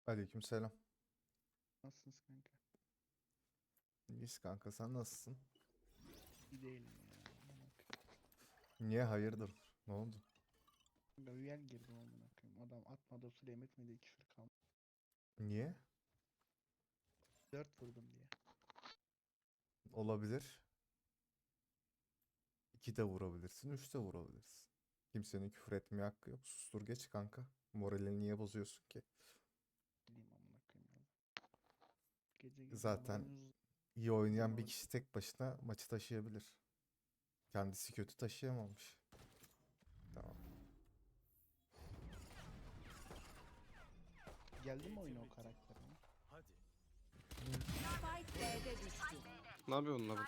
Aleykümselam. Nasılsınız kanka? İyiyiz kanka, sen nasılsın? İyi değilim ya. Bak. Niye, hayırdır? Ne oldu? Kanka üyel girdim amına koyayım. Adam atmadı o sırada yemek mi diye küfür kaldı. Niye? 4 vurdum diye. Olabilir. 2 de vurabilirsin, 3 de vurabilirsin. Kimsenin küfür etmeye hakkı yok. Sustur geç kanka. Moralini niye bozuyorsun ki? Bileyim amına koyayım ya. Gece gece Zaten moraliniz iyi oynayan bir bozulmadı. kişi tek başına maçı taşıyabilir. Kendisi kötü taşıyamamış. Tamam. Geldi mi oyuna o karakterine? Spike B'de düştü. Ne yapıyorsun lan?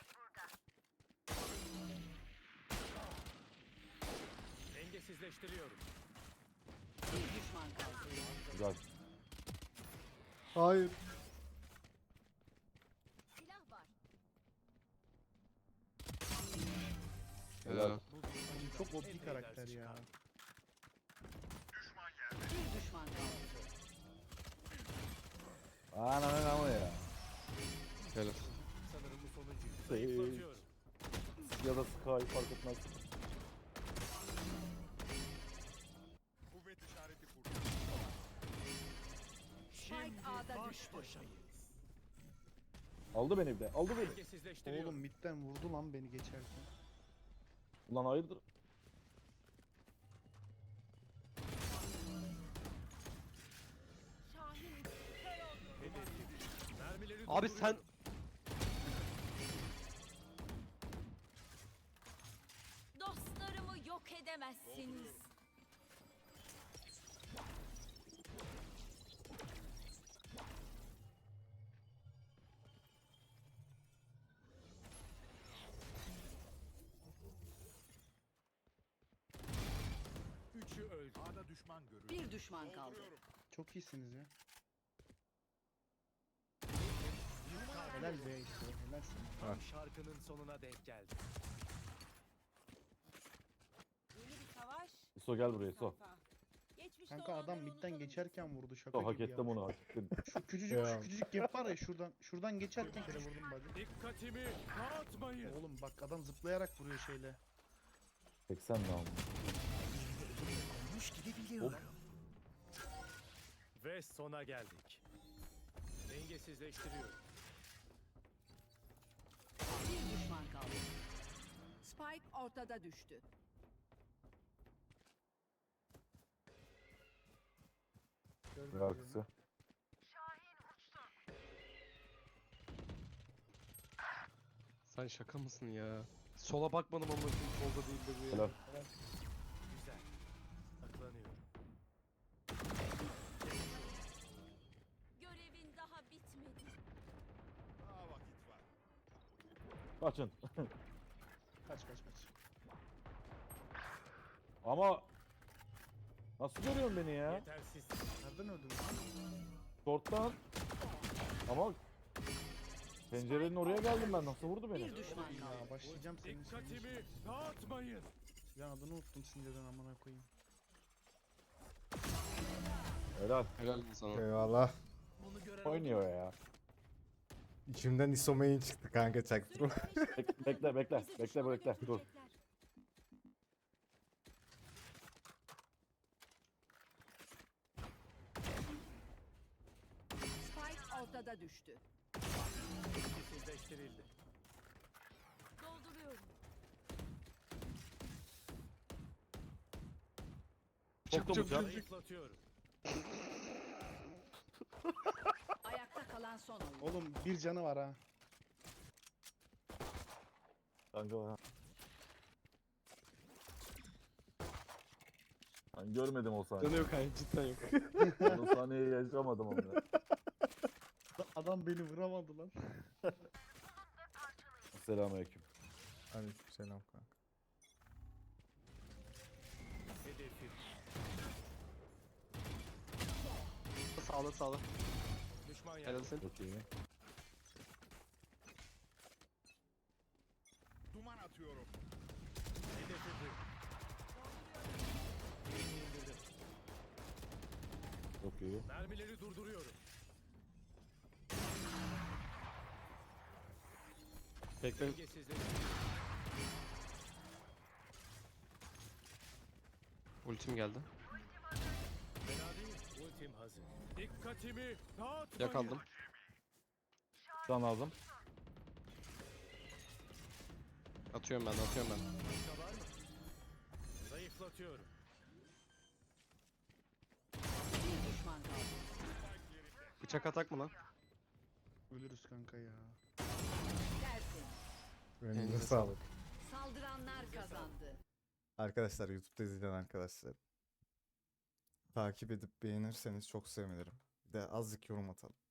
Dengesizleştiriyorum. Bir düşman kaldı. Güzel. Hayır. Silah var. Helal. Oğlum çok OP karakter ya. Bir düşman kaldı. Ananı ama ya. Helal. Sanırım bu sonuncuyu. Zayıflatıyorum. Ya da Sky fark etmez. Kuvvet işareti kurdu. Spike A'da düştü. Aldı beni bir de. Aldı beni. Dengesizleştiriyorum. Oğlum midden vurdu lan beni geçerken. Ulan hayırdır? Şahin Mermileri Abi sen durduruyorum. dostlarımı yok edemezsiniz. Üçü öldü. A'da düşman görüldü. Bir düşman kaldı. Çok iyisiniz ya. Helal be işte. Helal sana. Tam şarkının sonuna denk geldi. Yeni bir savaş. İso gel buraya İso. Geçmiş Kanka adam midden geçerken vurdu şaka İso hak gibi ya. ettim onu hak ettim. Şu küçücük Ya. şu küçücük gap var ya şuradan geçerken kere vurdum bacı. Dikkatimi dağıtmayın. Oğlum bak adam zıplayarak vuruyor şeyle. 80 mi aldı? Ve sona geldik. Dengesizleştiriyorum. Bir düşman kaldı. Spike ortada düştü. Gördün Bir mü arkası. sen şaka mısın ya? Sola bakmadım ama solda değil de bu ya. Helal. Güzel. Saklanıyorum. Görevin daha bitmedi. Daha vakit var. Kaçın. Kaç. Ama nasıl görüyorsun beni ya? Yetersiz. Nereden öldün? Short'tan. Ama pencerenin oraya geldim ben. Nasıl vurdu beni? Bir düşman kaldı. Ya başlayacağım senin Dikkatimi dağıtmayın. Ya adını unuttum sinirden amına koyayım. Helal. Helal lan sana. Eyvallah. Bunu gören Oynuyor ya. İçimden isomain çıktı kanka, çaktırma. Bekle. Dur. Spike ortada düştü. dengesizleştirildi. Dolduruyorum. Soktu mu can? Zayıflatıyorum. Ayakta kalan son oyun. Oğlum bir canı var ha. Kanka. Ben görmedim o sahneyi. Canı yok hayır cidden yok. Ben o sahneyi yaşamadım onu. Adam beni vuramadı lan. Selamünaleyküm. Aleykümselam kanka. Hedefim. Sağda. Düşman Helal yerde. sen. Çok iyi. Duman atıyorum. Hedefi bu. Birini indirdim. Çok iyi. Mermileri durduruyorum. Bekle. Dengesizleşti. Ultim geldi. Fena değil. Ultim hazır. Dikkatimi dağıtmayın. Yakaladım. Can lazım. Atıyorum ben. Başka var mı? Zayıflatıyorum. Bir düşman kaldı. Bıçak atak mı lan? Ölürüz kanka ya. Dersin. Önünüze Elinize sağlık. Saldıranlar kazandı. Arkadaşlar YouTube'da izleyen arkadaşlar. Takip edip beğenirseniz çok sevinirim. Bir de azıcık yorum atalım.